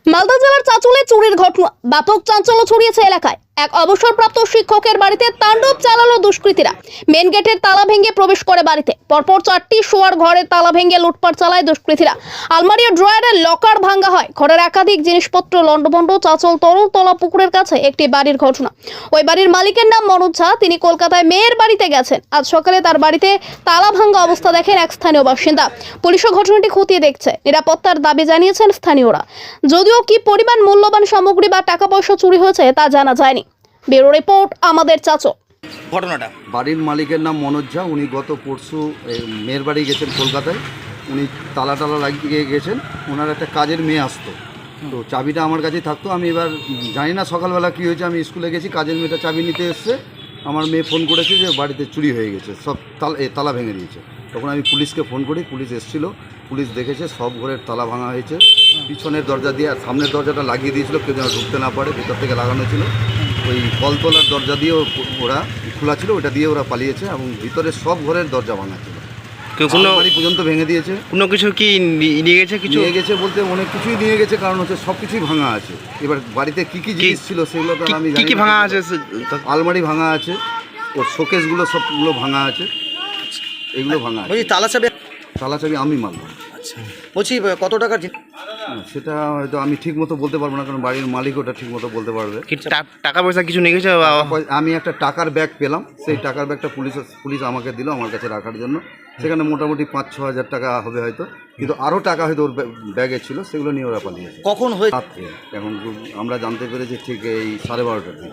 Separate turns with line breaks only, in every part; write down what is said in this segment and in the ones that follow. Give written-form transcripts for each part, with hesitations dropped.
মালদা জেলার চাঁচলে চুরির ঘটনা ব্যাপক চাঞ্চল্য ছড়িয়েছে এলাকায়। এক অবসরপ্রাপ্ত শিক্ষকের বাড়িতে তাণ্ডব চালালো দুষ্কৃতীরা। মেন গেটের তালা ভেঙে প্রবেশ করে বাড়িতে। পরপর 4টি শোয়ার ঘরের তালা ভেঙে লুটপাট চালায় দুষ্কৃতীরা। আলমারি ও ড্রয়ারের লকার ভাঙা হয়। ঘরের একাধিক জিনিসপত্র লণ্ডভণ্ড। চাঁচল তরলতলা পুকুরের কাছে একটি বাড়ির ঘটনা। ওই বাড়ির মালিকের নাম মনোজ ঝা। তিনি কলকাতায় মেয়ের বাড়িতে গেছেন। আজ সকালে তার বাড়িতে তালা ভাঙা অবস্থা দেখেন এক স্থানীয় বাসিন্দা। পুলিশও ঘটনাটি খতিয়ে দেখছে। নিরাপত্তার দাবি জানিয়েছেন স্থানীয়রা। যদিও কি পরিমাণ মূল্যবান সামগ্রী বা টাকা পয়সা চুরি হয়েছে তা জানা যায়নি। ব্যুরো রিপোর্ট আমাদের চাচল।
ঘটনাটা
বাড়ির মালিকের নাম মনোজ ঝা। উনি গত পরশু মেয়ের বাড়ি গেছেন কলকাতায়। উনি তালা লাগিয়ে গেছেন। ওনার একটা কাজের মেয়ে আসতো, তো চাবিটা আমার কাছেই থাকতো। আমি এবার জানি না সকালবেলা কী হয়েছে, আমি স্কুলে গেছি, কাজের মেয়েটা চাবি নিতে এসছে। আমার মেয়ে ফোন করেছে যে বাড়িতে চুরি হয়ে গেছে, সব তালা ভেঙে দিয়েছে। তখন আমি পুলিশকে ফোন করি, পুলিশ এসেছিলো। পুলিশ দেখেছে সব ঘরের তালা ভাঙা হয়েছে। পিছনের দরজা দিয়ে আর সামনের দরজাটা লাগিয়ে দিয়েছিল, কেউ যেন ঢুকতে না পারে, ভিতর থেকে লাগানো ছিল। ওই কলতলার দরজা দিয়ে ওরা খোলা ছিল, ওটা দিয়ে ওরা পালিয়েছে এবং ভিতরে সব ঘরের দরজা ভাঙা ছিল। বাড়ি পর্যন্ত ভেঙে দিয়েছে।
কোনো কিছু কি নিয়ে গেছে? কিছু
নিয়ে গেছে বলতে অনেক কিছুই নিয়ে গেছে, কারণ হচ্ছে সব কিছুই ভাঙা আছে। এবার বাড়িতে কী কী জিনিস ছিল সেগুলো তো আমি জানি।
কি ভাঙা আছে?
আলমারি ভাঙা আছে, ওর শোকেসগুলো সবগুলো ভাঙা আছে, এগুলো ভাঙা আছে। তালা চাবি আমি মারলাম।
আচ্ছা, বলছি কত টাকার?
সেটা হয়তো আমি ঠিক মতো বলতে পারবো না, কারণ বাড়ির মালিক ওটা ঠিক মতো বলতে পারবে।
টাকা পয়সা কিছু নিয়ে গেছে?
আমি একটা টাকার ব্যাগ পেলাম, সেই টাকার ব্যাগটা পুলিশ আমাকে দিল আমার কাছে রাখার জন্য। সেখানে মোটামুটি 5-6 হাজার টাকা হবে হয়তো, কিন্তু আরও টাকা হয়তো ওর ব্যাগে ছিল, সেগুলো নিয়ে ওরা পালিয়েছে।
কখন হয়েছে?
রাত্রে। এখন আমরা জানতে পেরেছি ঠিক এই 12:30টার দিকে।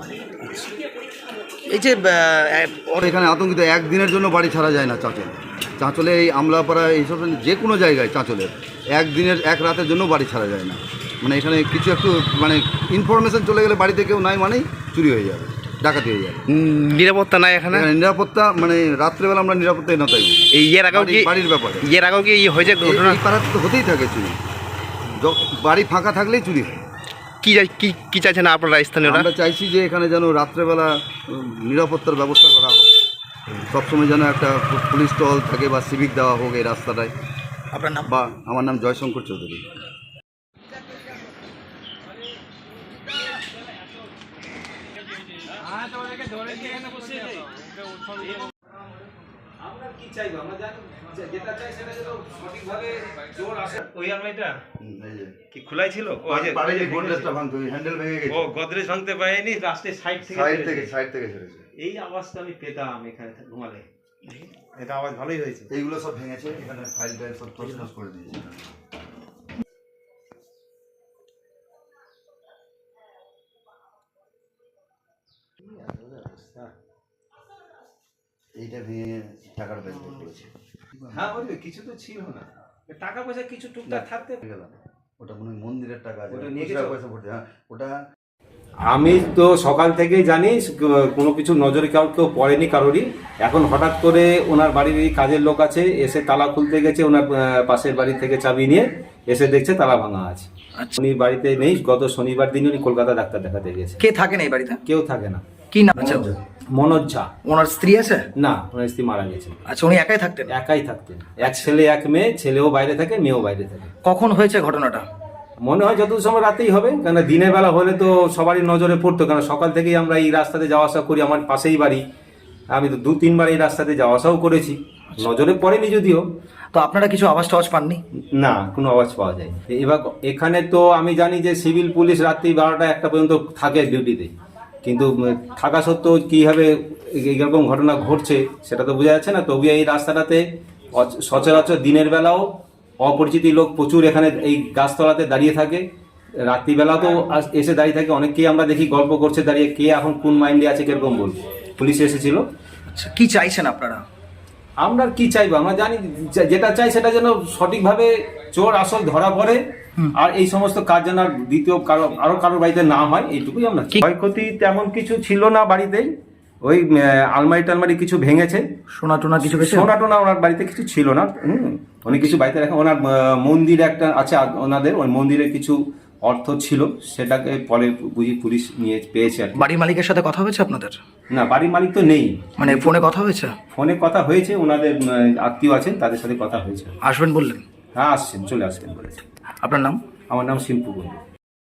এই যে
এখানে আতঙ্কিত, একদিনের জন্য বাড়ি ছাড়া যায় না চাঁচলে এই আমলাপাড়া এইসব যে কোনো জায়গায় চাঁচলের এক রাতের জন্য বাড়ি ছাড়া যায় না। মানে এখানে কিছু একটু মানে ইনফরমেশন চলে গেলে বাড়িতে কেউ নাই মানেই চুরি হয়ে যাবে, ডাকাতি হয়ে যাবে।
নিরাপত্তা নাই এখানে?
নিরাপত্তা মানে রাত্রেবেলা আমরা নিরাপত্তাই না তাই
এই এর আগেও কি
বাড়ির ব্যাপারে
এর আগেও কি হয়েছে ঘটনা?
এই পাড়াতে তো হতেই থাকে চুরি, বাড়ি ফাঁকা থাকলেই চুরি হয়।
কি চাইছেন আপনারা স্থানীয়রা?
আমরা চাইছি যে এখানে যেন রাত্রেবেলা নিরাপত্তার ব্যবস্থা করা হোক, সবসময় যেন একটা পুলিশ টহল থাকে বা সিভিক দেওয়া হোক এই রাস্তাটায়।
আপনার নাম?
বা আমার নাম জয়শঙ্কর চৌধুরী।
আমরা কি চাইবো? আমরা জানি যেটা চাই সেটা যেন সঠিকভাবে জোর আসে। ওই আলমারিটা কি খোলাই ছিল?
গোদরেজটা ভাঙতে, হ্যান্ডেল ভেঙে গেছে।
ও গোদরেজ ভাঙতে পারেনি, লাস্টে সাইড থেকে
ছেড়েছে।
এই আওয়াজটা আমি পেতাম এখানে ঘুমালে। এটা আওয়াজ ভালোই হয়েছে।
এইগুলো সব ভেঙেছে, এখানে ফাইল টাইল সব তছনছ করে দিয়েছে। এইটা ভেঙে টাকার ব্যাগ করেছে।
হ্যাঁ বলবে কিছু তো ছিল না, টাকা পয়সা কিছু টুকটাক থাকতে
গেলাম। ওটা মনে হয় মন্দিরের টাকা আছে,
ওটা নিয়ে গেছে
পয়সা পড়ছে। হ্যাঁ ওটা
আমি তো সকাল থেকেই জানি কোনো কিছু নজরে কেউ পড়েনি কারোরই। এখন হঠাৎ করে ওনার বাড়ির এই কাজের লোক আছে, এসে তালা খুলতে গেছে, ওনার পাশের বাড়ি থেকে চাবি নিয়ে এসে দেখছে তালা ভাঙা আছে। উনি বাড়িতে নেই, গত শনিবার দিন উনি কলকাতা ডাক্তার দেখাতে গেছে।
কে থাকেন এই বাড়িতে?
কেউ থাকে না।
কি নাম আছে?
মনোজ ঝা।
ওনার স্ত্রী আছে?
না, ওনার স্ত্রী মারা গেছে।
আচ্ছা, উনি একাই থাকতেন?
একাই থাকতেন। এক ছেলে এক মেয়ে, ছেলেও বাইরে থাকে, মেয়েও বাইরে থাকে।
কখন হয়েছে ঘটনাটা?
মনে হয় যত সময় রাতেই হবে, কেন দিনের বেলা হলে তো সবারই নজরে পড়তো, কেন সকাল থেকেই আমরা এই রাস্তাতে যাওয়া আসা করি, আমার পাশেই বাড়ি। আমি তো 2-3 বার এই রাস্তাতে যাওয়া আসাও করেছি, নজরে পড়েনি যদিও।
তো আপনারা কিছু আওয়াজ টাওয়াজ পাননি?
না, কোনো আওয়াজ পাওয়া যায়। এবার এখানে তো আমি জানি যে সিভিল পুলিশ রাত্রি 12টা-1টা পর্যন্ত থাকে ডিউটিতে, কিন্তু থাকা সত্ত্বেও কীভাবে এরকম ঘটনা ঘটছে সেটা তো বোঝা যাচ্ছে না। তবু এই রাস্তাটাতে সচরাচর দিনের বেলাও অপরিচিত লোক প্রচুর এখানে এই গাছতলাতে দাঁড়িয়ে থাকে, রাত্রিবেলাও তো এসে দাঁড়িয়ে থাকে। অনেককেই আমরা দেখি গল্প করছে দাঁড়িয়ে, কে এখন কোন মাইন্ডে আছে কিরকম বলবো। পুলিশ এসেছিল।
আচ্ছা, কি চাইছেন আপনারা?
আমরা কি চাইবো? আমরা জানি যেটা চাই সেটা যেন সঠিকভাবে চোর আসল ধরা পড়ে, আর এই সমস্ত কাজ যেন দ্বিতীয় আরো কারোর বাড়িতে না হয়, এইটুকুই আমরা। ক্ষয়ক্ষতি তেমন কিছু ছিল না বাড়িতেই, ওই আলমারি টালমারি কিছু ভেঙেছে।
সোনা টোনা কিছু?
সোনা টোনা ওনার বাড়িতে কিছু ছিল না। অনেক কিছু বাড়িতে রাখা। ওনার মন্দির একটা আছে ওনাদের, ওই মন্দিরের কিছু অর্থ ছিল, সেটাকে পরে বুঝি পুলিশ নিয়ে পেয়েছে আর কি।
বাড়ির মালিকের সাথে কথা হয়েছে আপনাদের?
না, বাড়ির মালিক তো নেই।
মানে ফোনে কথা হয়েছে?
ফোনে কথা হয়েছে, ওনাদের আত্মীয় আছেন, তাদের সাথে কথা হয়েছে।
আসবেন বললেন?
হ্যাঁ আসছেন, চলে আসবেন বলেছে।
আপনার নাম?
আমার নাম শিল্পু বন্ধু।